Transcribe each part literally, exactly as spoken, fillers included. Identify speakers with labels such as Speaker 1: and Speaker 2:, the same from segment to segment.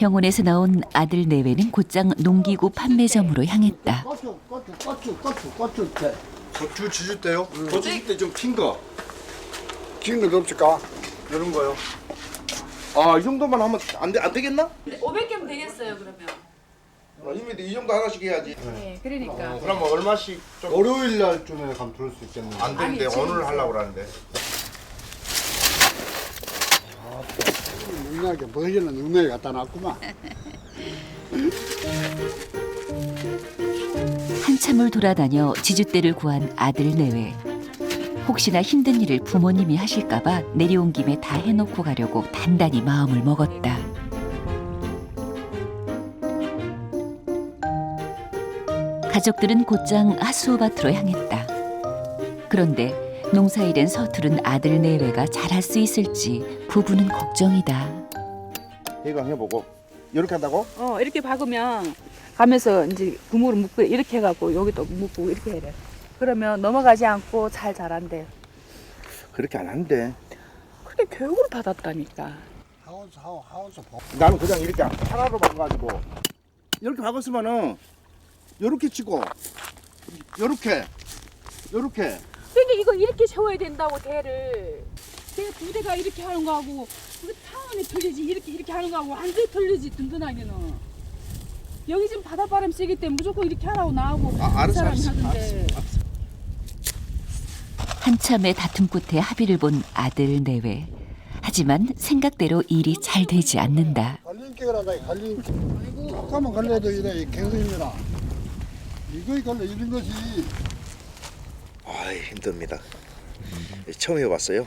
Speaker 1: 병원에서 나온 아들 내외는 곧장 농기구 판매점으로 향했다.
Speaker 2: 고추, 고추, 고추, 고추, 고추 때.
Speaker 3: 고추 지질 때요? 고추 지질 때 좀 핀 거.
Speaker 2: 긴 것도 없을까?
Speaker 3: 이런 거요. 아, 이 정도만 하면 안, 되, 안 되겠나?
Speaker 4: 오백 개면 되겠어요 그러면.
Speaker 3: 아, 이미 이 정도 하나씩 해야지.
Speaker 4: 네, 그러니까.
Speaker 3: 어, 그럼 얼마씩 좀
Speaker 2: 월요일 날쯤에 가면 들을 수 있겠네.
Speaker 3: 안 되는데
Speaker 4: 아니,
Speaker 3: 오늘
Speaker 4: 지금
Speaker 3: 하려고 그러는데.
Speaker 2: 능력에 버지는 능력에 갖다 놨구만.
Speaker 1: 한참을 돌아다녀 지주대를 구한 아들 내외. 혹시나 힘든 일을 부모님이 하실까봐 내려온 김에 다 해놓고 가려고 단단히 마음을 먹었다. 가족들은 곧장 하수오밭으로 향했다. 그런데 농사일엔 서투른 아들 내외가 잘할 수 있을지 부부는 걱정이다.
Speaker 3: 해강 해보고 이렇게 한다고?
Speaker 4: 어 이렇게 박으면 가면서 이제 구멍을 묶고 이렇게 해갖고 여기도 묶고 이렇게 해야 돼. 그러면 넘어가지 않고 잘 자란대.
Speaker 3: 그렇게 안 하는데.
Speaker 4: 그래 교육을 받았다니까.
Speaker 2: 하우스, 하우, 하우스 보.
Speaker 3: 나는 그냥 이렇게 하나로 박아가지고 이렇게 박았으면은 요렇게 치고 요렇게 요렇게
Speaker 4: 그러니까 이거 이렇게 세워야 된다고 대를. 대 두 대가 이렇게 하는 거하고 그 타원이 틀리지 이렇게 이렇게 하는 거하고 완전히 틀리지 든든하게는. 여기 지금 바닷바람 세기 때문에 무조건 이렇게 하라고 나하고
Speaker 3: 아, 알았어,
Speaker 4: 사람이
Speaker 3: 알았어,
Speaker 4: 하던데.
Speaker 3: 알았어, 알았어.
Speaker 1: 한참의 다툼 끝에 합의를 본 아들 내외. 하지만 생각대로 일이 잘 되지 않는다.
Speaker 2: 갈림길을 하다, 갈림길. 조금만 걸려도 이래, 갱생입니다. 이거에 걸려, 이런 것이.
Speaker 3: 아, 힘듭니다. 처음 해봤어요.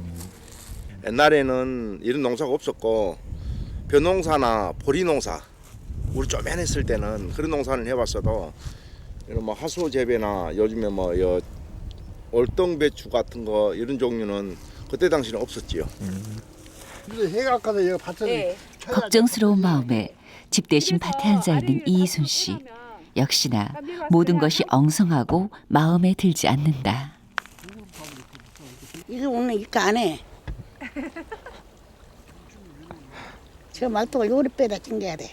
Speaker 3: 옛날에는 이런 농사가 없었고 벼농사나 보리농사 우리 쪼맨했을 때는 그런 농사를 해봤어도 이런 뭐 하수오 재배나 요즘에 뭐 여, 월동배추 같은 거 이런 종류는 그때 당시는 없었지요.
Speaker 2: 근데 해가 아까도 여기 밭을
Speaker 4: 네.
Speaker 1: 걱정스러운 마음에 집 대신 밭에 앉아 있는 이순 씨. 역시나 모든 것이 엉성하고 마음에 들지 않는다.
Speaker 5: 이거 오늘 이거 안 해. 저 말도가 요리 빼다 찡겨야 돼.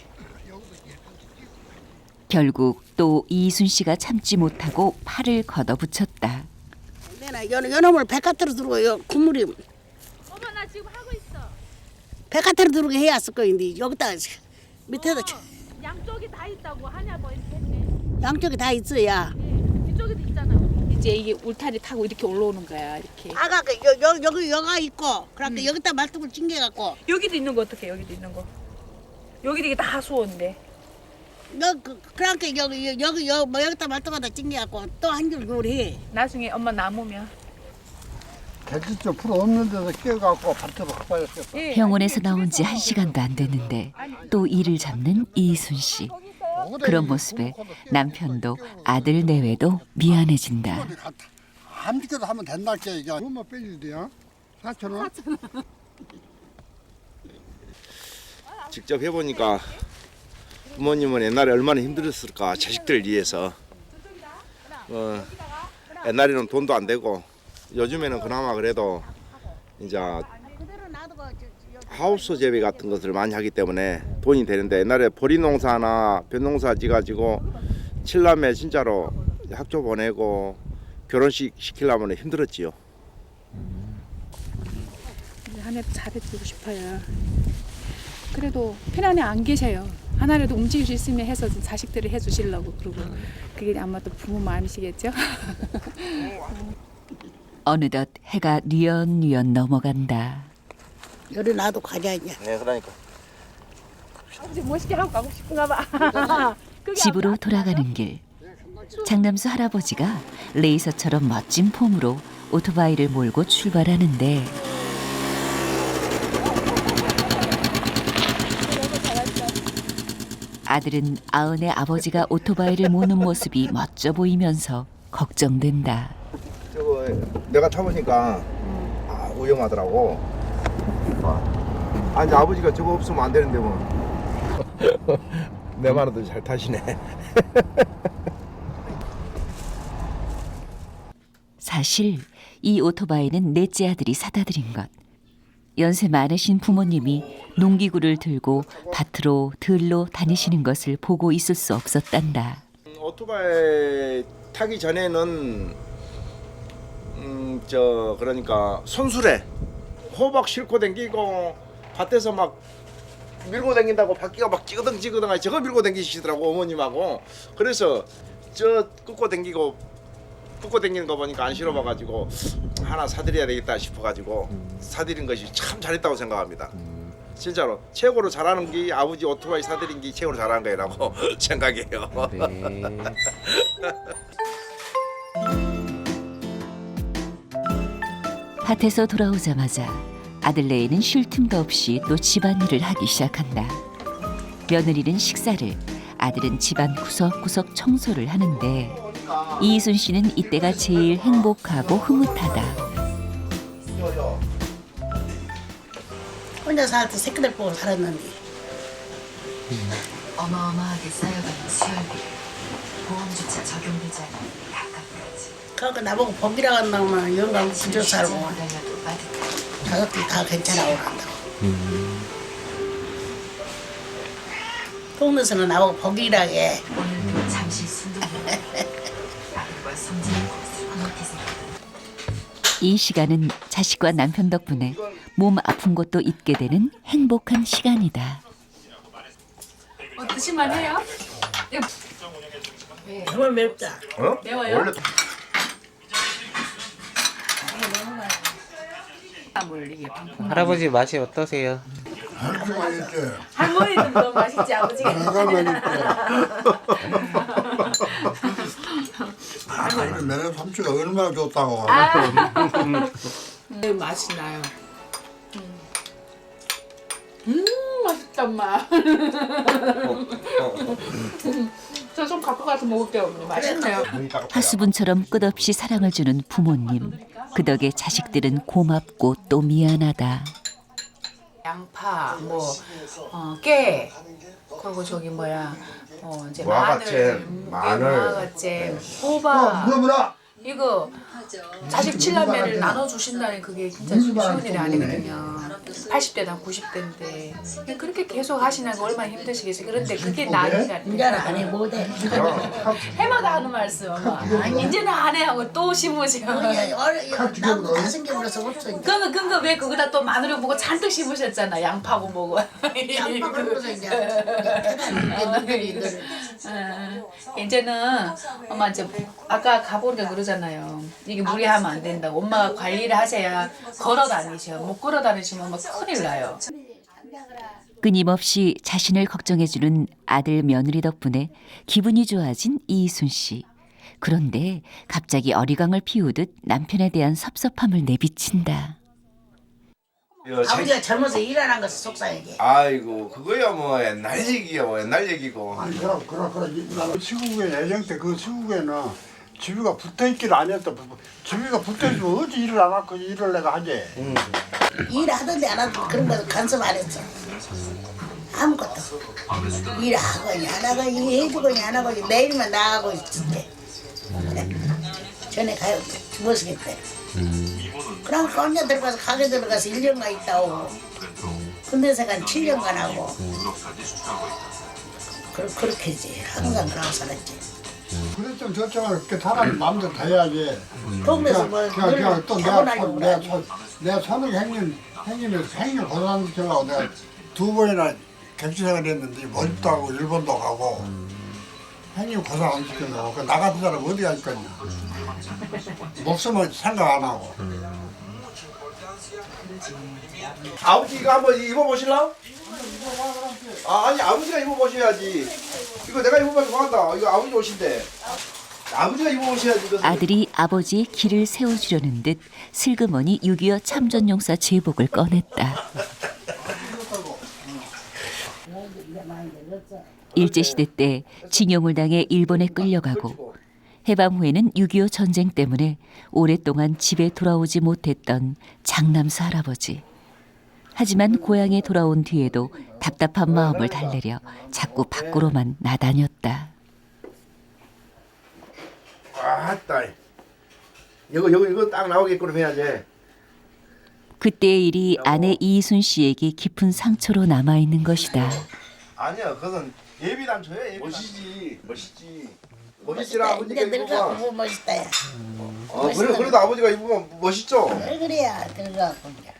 Speaker 1: 결국 또 이순 씨가 참지 못하고 팔을 걷어붙였다.
Speaker 5: 내가 요 요놈을 백화대로 들고 요 국물이
Speaker 4: 엄마 나 지금 하고 있어.
Speaker 5: 백화대로 들고 해야 했을 거인데 여기다 밑에다 쳐-
Speaker 4: 양쪽이 다 있다고 하냐 뭐 이렇게 했네.
Speaker 5: 양쪽에 다 있어야.
Speaker 4: 뒤쪽에도 있잖아. 이제 이게 울타리 타고 이렇게 올라오는 거야 이렇게.
Speaker 5: 아가 그 여, 여, 여기 여가 있고 그러니까 여기다 말뚝을 찡겨갖고
Speaker 4: 여기도 있는 거 어떡해 여기도 있는 거. 여기도 이게 다 수원인데.
Speaker 5: 여 그, 그러니까 여기 여기 여기 여, 뭐 여기다 말뚝에다 찡겨갖고 또 한 줄 요리해.
Speaker 4: 나중에 엄마 남으면.
Speaker 2: 개지쪽 풀 없는 데서 끼어갖고 밭으로 가봐야겠어.
Speaker 4: 예.
Speaker 1: 병원에서 나온 지 한 시간도 안 됐는데 또 일을 잡는 이순 씨. 그런 모습에 남편도 아들 내외도 미안해진다.
Speaker 2: 한 비켜도 하면 된다 게 이게 얼마 빼줘야 돼요? 사천 원?
Speaker 3: 직접 해보니까 부모님은 옛날에 얼마나 힘들었을까 자식들을 위해서. 어, 옛날에는 돈도 안 되고 요즘에는 그나마 그래도 이제 하우스 재배 같은 것을 많이 하기 때문에 돈이 되는데 옛날에 보리농사나 벼농사 지가지고 칠남매 진짜로 학교 보내고 결혼식 시키려면 힘들었지요.
Speaker 4: 하나도 잘해주고 싶어요. 그래도 편안히 안 계셔요. 하나라도 움직일 수 있으면 해서 자식들을 해주시려고 그러고 그게 아마도 부모 마음이시겠죠?
Speaker 1: 어느덧 해가 뉘엿뉘엿 넘어간다.
Speaker 5: 요리 놔도 가자 이제.
Speaker 3: 네, 그러니까.
Speaker 4: 아버지 멋있게 하고 가고 싶은가 봐.
Speaker 1: 집으로 돌아가는 길. 장남수 할아버지가 레이서처럼 멋진 폼으로 오토바이를 몰고 출발하는데 아들은 아은의 아버지가 오토바이를 모는 모습이 멋져 보이면서 걱정된다.
Speaker 3: 저거 내가 타보니까 아, 위험하더라고. 아, 이제 아버지가 저거 없으면 안 되는데 뭐. 내 말도 잘 타시네.
Speaker 1: 사실 이 오토바이는 넷째 아들이 사다 드린 것. 연세 많으신 부모님이 농기구를 들고 밭으로 들로 다니시는 것을 보고 있을 수 없었단다.
Speaker 3: 오토바이 타기 전에는 음, 저 그러니까 손수레 호박 싣고 댕기고 밭에서 막 밀고 댕긴다고 바퀴가 막 찌그덩 찌그덩 하니 저거 밀고 댕기시더라고 어머님하고. 그래서 저 끄고 댕기고 끄고 댕기는 거 보니까 안 싫어봐가지고 하나 사드려야 되겠다 싶어가지고 사드린 것이 참 잘했다고 생각합니다. 진짜로 최고로 잘하는 게 아버지 오토바이 사드린 게 최고로 잘한 거라고 생각해요.
Speaker 6: 네.
Speaker 1: 밭에서 돌아오자마자 아들 레이는 쉴 틈도 없이 또 집안일을 하기 시작한다. 며느리는 식사를, 아들은 집안 구석구석 청소를 하는데 이순 씨는 이때가 제일 행복하고 흐뭇하다.
Speaker 5: 혼자 살 때 새끼들 보고 살았는데
Speaker 7: 어마어마하게 쌓여가는 수혈비 보험조차 적용되지 않는 각각까지
Speaker 5: 그러니까 나보고 복이라고 한다면 영감 구조 살고
Speaker 7: 달려도 빠듯한
Speaker 5: 가족들 다 괜찮아 오란다고. 동네에서는 나보고 복이라고 해.
Speaker 7: 오늘도 잠시 순둥이 아들과 성진의 곳을 흐뭇히 생각한다.
Speaker 1: 이 시간은 자식과 남편 덕분에 몸 아픈 것도 잊게 되는 행복한 시간이다.
Speaker 4: 어, 드실만 해요?
Speaker 5: 정말 맵다.
Speaker 3: 어?
Speaker 4: 매워요?
Speaker 3: 원래
Speaker 6: 할아버지 맛이 어떠세요?
Speaker 2: 아주 맛있지.
Speaker 4: 할머니도 너무 맛있지 아버지가.
Speaker 2: 내가 맛있지. 아, 우리 매년 삼촌가 얼마나 좋다고.
Speaker 4: 네, 맛이 나요. 음 맛있다 엄마. 저 좀 갖고 가서 먹을게요 어머니. 맛있네요.
Speaker 1: 하수분처럼 끝없이 사랑을 주는 부모님. 그 덕에 자식들은 고맙고 또 미안하다.
Speaker 8: 양파, 뭐, 어, 깨, 그리고 저기 뭐야, 어, 이제
Speaker 3: 무화과잼,
Speaker 8: 마늘,
Speaker 3: 마늘.
Speaker 8: 무화과잼, 호박,
Speaker 2: 물어보라.
Speaker 8: 이거 자식 칠남매를 나눠주신다니 그게 진짜 쉬운 일이 아니거든요. 팔십 대나 구십 대인데 그렇게 계속 하시는 거 얼마나 힘드시겠어요. 그런데 그게 나이가
Speaker 5: 인자는 안 해 못해.
Speaker 8: 해마다 하는 말씀 엄마. 아니, 이제는 안 해 하고 또 심으시고.
Speaker 5: 나도 다섯 개 물어서 없어. 이제.
Speaker 8: 그거 그거 왜 거기다 또 마늘을 보고 잔뜩 심으셨잖아. 양파고 뭐고.
Speaker 5: 양파 그러면서 이제 이제
Speaker 8: 어, 이제는 엄마 이제 아까 가보니까 그러잖아요. 이게 무리하면 안 된다고. 엄마가 관리를 하셔야 걸어 다니셔. 못 걸어 다니시면 엄마 큰일 나요.
Speaker 1: 끊임없이 자신을 걱정해주는 아들 며느리 덕분에 기분이 좋아진 이순 씨. 그런데 갑자기 어리광을 피우듯 남편에 대한 섭섭함을 내비친다.
Speaker 5: 아버지가 젊어서 일 안 한 것이 속상하게.
Speaker 3: 아이고 그거야 뭐 옛날 얘기야 뭐 옛날 얘기고.
Speaker 2: 아니 그럼 그럼 그럼 시국에 예정 때 그 시국에는 집이가 붙어있기를 안 했다. 집이가 붙어있으면 어찌 일을 안 하고 일을 내가 하지.
Speaker 3: 음.
Speaker 5: 일 하던데 안 하던 그런 거 간섭 안 했어. 아무것도. 일하고 안 하고 일해주고 안 하고 내일만 나가고 있었대. 전에 가요 주무시겠대. 그럼 혼자 들어가서 가게 들어가서 일 년간 있다 오고. 군대생활 칠 년간 하고. 그, 그렇게지. 항상 그러고 살았지.
Speaker 2: 그랬으면 저쪽은 그렇게 사람이 마음대로 다 해야지.
Speaker 5: 동네에서 뭐
Speaker 2: 그냥 그냥 또 내가
Speaker 5: 타고나려고
Speaker 2: 손- 내가
Speaker 5: 그러지.
Speaker 2: 손- 내가 손을 행님 행님에서 행님 고등학교라고 내가 두 번이나 객지생활 했는데 멀리도 하고 일본도 가고 행님 고생 안 시켜놓고 그 나 같은 사람 어디 갈 거냐. 목숨을 생각 안 하고.
Speaker 3: 아버지 이거 한번 입어보실라? 아 아니 아버지가 입어보셔야지. 이거 내가 입어봐서 뭐한다. 이거 아버지 옷인데. 아버지가 입어보셔야지. 이거.
Speaker 1: 아들이 아버지의 길을 세워주려는 듯 슬그머니 육이오 참전용사 제복을 꺼냈다. 일제시대 때 징용을 당해 일본에 끌려가고 해방 후에는 육이오 전쟁 때문에 오랫동안 집에 돌아오지 못했던 장남수 할아버지. 하지만 고향에 돌아온 뒤에도 답답한 마음을 달래려 자꾸 밖으로만 나다녔다.
Speaker 3: 아따. 이거 이거 이거 딱 나오게끔 해야지.
Speaker 1: 그때의 일이 아내 이순 씨에게 깊은 상처로 남아 있는 것이다.
Speaker 3: 아니야, 그건 예비 단초야. 예비 멋이지, 멋있지. 멋있지라 아버지가
Speaker 5: 이제 늙어갖고
Speaker 3: 입으면.
Speaker 5: 뭐 멋있다 야.
Speaker 3: 어, 그래, 그래도 아버지가 입으면 멋있죠.
Speaker 5: 왜 그래야 늙어갖고 이제.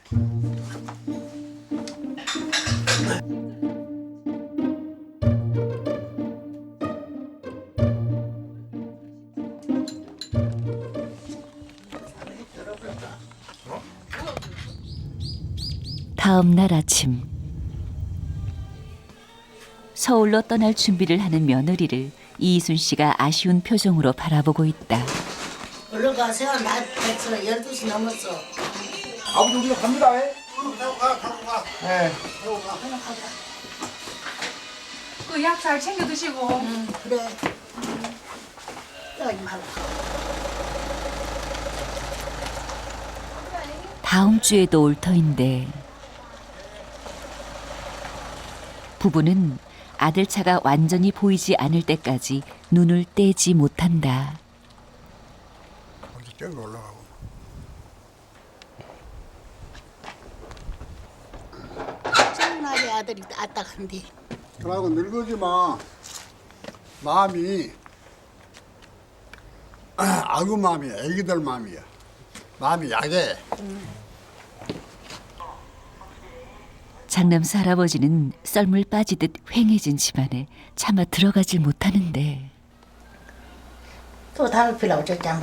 Speaker 1: 다음 날 아침 서울로 떠날 준비를 하는 며느리를 이순 씨가 아쉬운 표정으로 바라보고 있다.
Speaker 5: 얼른 가세요. 나 됐어. 열두 시 넘었어.
Speaker 3: 아버지 우리가 갑니다. 에? 가, 가, 가. 네.
Speaker 8: 그 약 잘 챙겨 드시고.
Speaker 5: 응, 그래. 여기 말고.
Speaker 1: 다음 주에도 올 터인데 부부는 아들 차가 완전히 보이지 않을 때까지 눈을 떼지 못한다.
Speaker 2: 어디 저기 올라가고.
Speaker 5: 정나게 아들이 아딱한데.
Speaker 2: 그러고 늙어지 마. 마음이 아구 마음이야. 애기들 마음이야. 마음이 약해.
Speaker 1: 장남수 할아버지는 썰물 빠지듯 휑해진 집안에 차마 들어가질 못하는데
Speaker 5: 또 담배 피려고 줬잖아.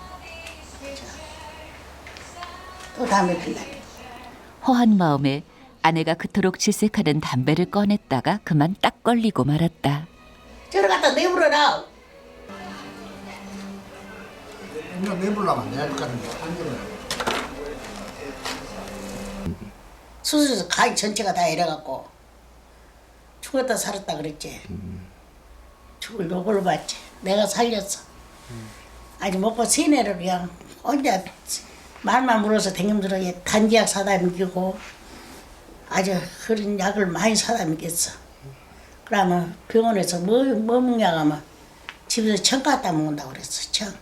Speaker 5: 또 담배 피려.
Speaker 1: 허한 마음에 아내가 그토록 질색하는 담배를 꺼냈다가 그만 딱 걸리고 말았다.
Speaker 5: 저리 갖다 내버려라.
Speaker 2: 이거 내불라면 내할 거는 한 개는.
Speaker 5: 수술에서 가위 전체가 다 이래갖고 죽었다 살았다 그랬지. 죽을 요걸로 봤지. 내가 살렸어. 아직 먹고 세뇌를 그냥 혼자 말만 물어서 댕김들어 단지약 사다 먹이고 아주 그런 약을 많이 사다 먹였어. 그러면 병원에서 뭐, 뭐 먹냐 하면 집에서 청 갖다 먹는다고 그랬어. 청.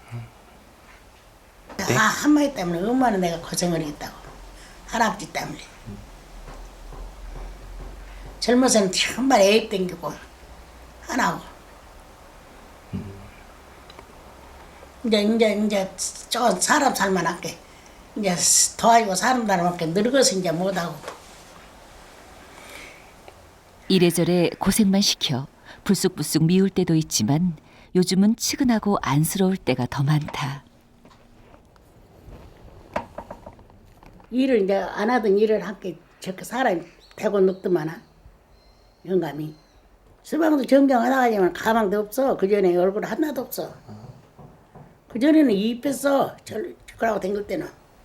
Speaker 6: 네?
Speaker 5: 아, 한마디 때문에 얼마나 내가 고생을 했다고. 할아버지 때문에. 젊어서는 정말 애입 땡기고 안 하고. 이제 이제 이제 저 사람 살만하게 이제 도와주고 사람 살만하게 늙어서 이제 못하고.
Speaker 1: 이래저래 고생만 시켜 불쑥불쑥 미울 때도 있지만 요즘은 측은하고 안쓰러울 때가 더 많다.
Speaker 5: 일을 이제 안 하던 일을 함께 저렇게 사람이 되고 늙더만은 영감이 수방도 정정하다가지만 가망도 없어. 그 전에 얼굴 하나도 없어. 그 전에는 이뻤어. 저라고 댕길 때는.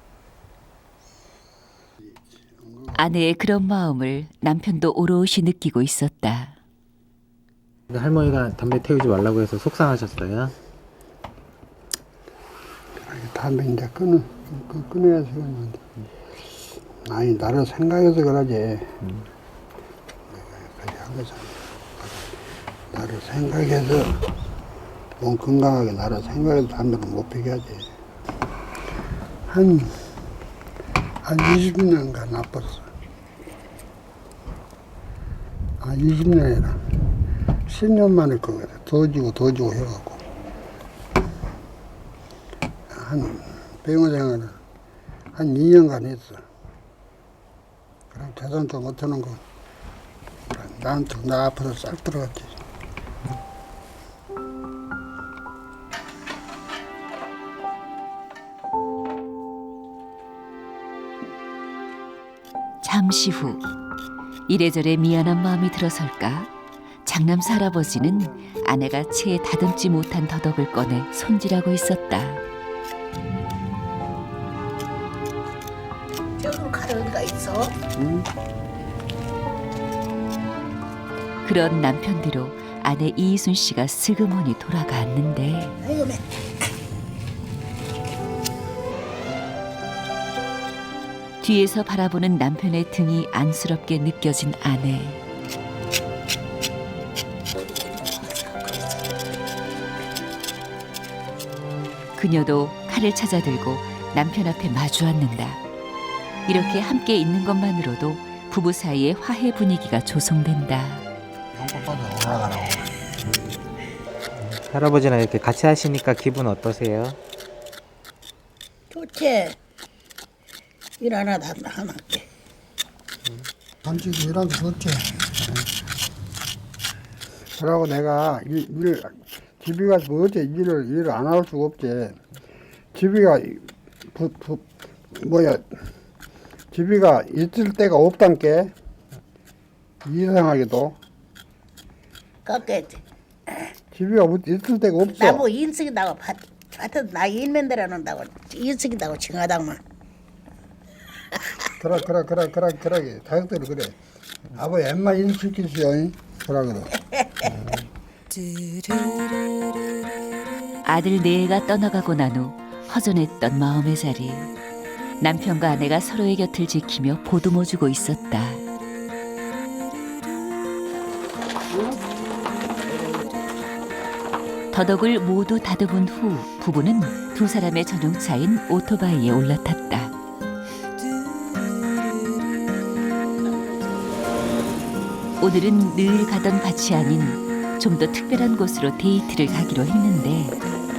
Speaker 1: 아내의 그런 마음을 남편도 오롯이 느끼고 있었다.
Speaker 6: 할머니가 담배 태우지 말라고 해서 속상하셨어요?
Speaker 2: 담배 이제 끊어, 끊- 끊어야 되겠는데. 아니, 나를 생각해서 그러지. 음. 그렇게 한 거잖아. 나를 생각해서, 몸 건강하게 나를 생각해서 담배를 못 피게 하지. 한, 한 이십 년간 나빴어. 아, 이십 년이라. 십 년 만에 그거 더 지고 더 지고 해갖고. 한 병원 생활을 한 이 년간 했어. 그럼 대단도 못하는 거. 나한테 나 앞에서 싹 들어갔지.
Speaker 1: 잠시 후 이래저래 미안한 마음이 들어설까 장남수 할아버지는 아내가 채에 다듬지 못한 더덕을 꺼내 손질하고 있었다.
Speaker 5: 저걸 가려 어디가 있어?
Speaker 2: 응?
Speaker 1: 그런 남편 뒤로 아내 이순 씨가 슬그머니 돌아갔는데
Speaker 5: 아이고 매.
Speaker 1: 뒤에서 바라보는 남편의 등이 안쓰럽게 느껴진 아내. 그녀도 칼을 찾아들고 남편 앞에 마주 앉는다. 이렇게 함께 있는 것만으로도 부부 사이의 화해 분위기가 조성된다.
Speaker 2: 연꽃 받아 올라가라고.
Speaker 6: 할아버지랑 이렇게 같이 하시니까 기분 어떠세요?
Speaker 5: 좋지. 일 하나도 안 하나게.
Speaker 2: 솔직히 이런 게 좋지. 그러고 내가 일, 일 집에 가서 뭐 어째 일을 일을 안 할 수가 없지. 집이가 부, 부, 뭐야 집이가 있을 데가 없단 게 이상하게도
Speaker 5: 그렇게
Speaker 2: 집이가 있을 데가 없어.
Speaker 5: 나보고 인식이다고 하여튼 나 일면 대라는다고 인식이다고 칭하다만.
Speaker 2: 그래 그래 그래 그래 그래 자식들이 그래. 아버지 엠마 일시키시오. 그래 그래.
Speaker 1: 아들 네애가 떠나가고 난 후 허전했던 마음의 자리. 남편과 아내가 서로의 곁을 지키며 보듬어주고 있었다. 더덕을 모두 다듬은 후 부부는 두 사람의 전용차인 오토바이에 올라탔다. 오늘은 늘 가던 밭이 아닌 좀 더 특별한 곳으로 데이트를 가기로 했는데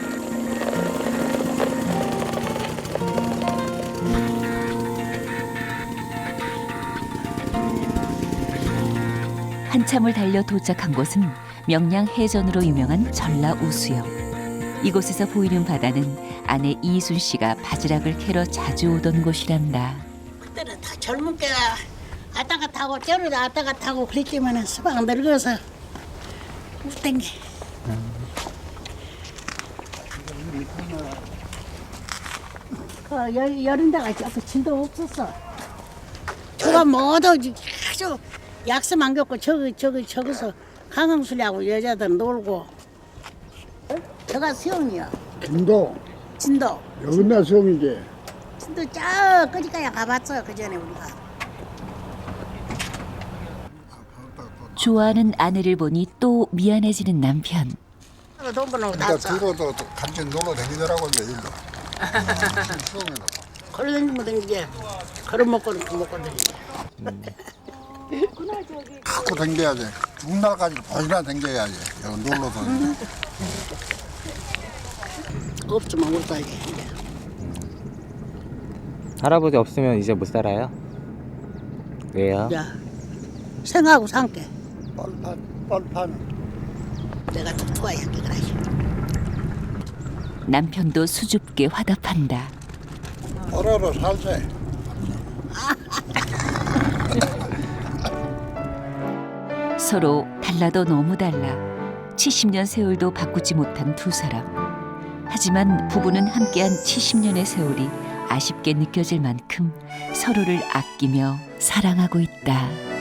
Speaker 1: 한참을 달려 도착한 곳은 명량 해전으로 유명한 전라우수역. 이곳에서 보이는 바다는 아내 이순 씨가 바지락을 캐러 자주 오던 곳이란다.
Speaker 5: 그때는 다 젊은 때가 왔다 갔다 하고 저러다 왔다 갔다 하고 그랬지만은 수박 늙어서 못 땡겨. 그 여, 여름 데가 저그 진도 없었어. 저가 모두 아주 약속 안 겪고 저기 저기 저기서 강강술래하고 여자들 놀고. 저가 수영이야.
Speaker 2: 진도
Speaker 5: 진도.
Speaker 2: 여기나 수영이지.
Speaker 5: 진도 저 끄지까지 가봤어 그 전에 우리가.
Speaker 1: 좋아하는 아내를 보니 또 미안해지는 남편.
Speaker 5: 돈 벌려고
Speaker 2: 그러니까
Speaker 5: 났어.
Speaker 2: 뒤로도 같이 놀러 다니더라고 이제 일도. 수영이도.
Speaker 5: 걸어다니면 되는데 걸어먹고는 그 먹고 다니지.
Speaker 2: 갖고 댕겨야지. 중날까지 보이나 댕겨야지. 여기 놀러서.
Speaker 5: 없으면 못 살지.
Speaker 6: 할아버지 없으면 이제 못 살아요? 왜요?
Speaker 5: 야, 생하고 산게
Speaker 2: 뻘판, 뻘판.
Speaker 5: 내가 좀 좋아야 게 그래.
Speaker 1: 남편도 수줍게 화답한다.
Speaker 2: 얼어로 살세.
Speaker 1: 서로 달라도 너무 달라 칠십 년 세월도 바꾸지 못한 두 사람. 하지만 부부는 함께한 칠십 년의 세월이 아쉽게 느껴질 만큼 서로를 아끼며 사랑하고 있다.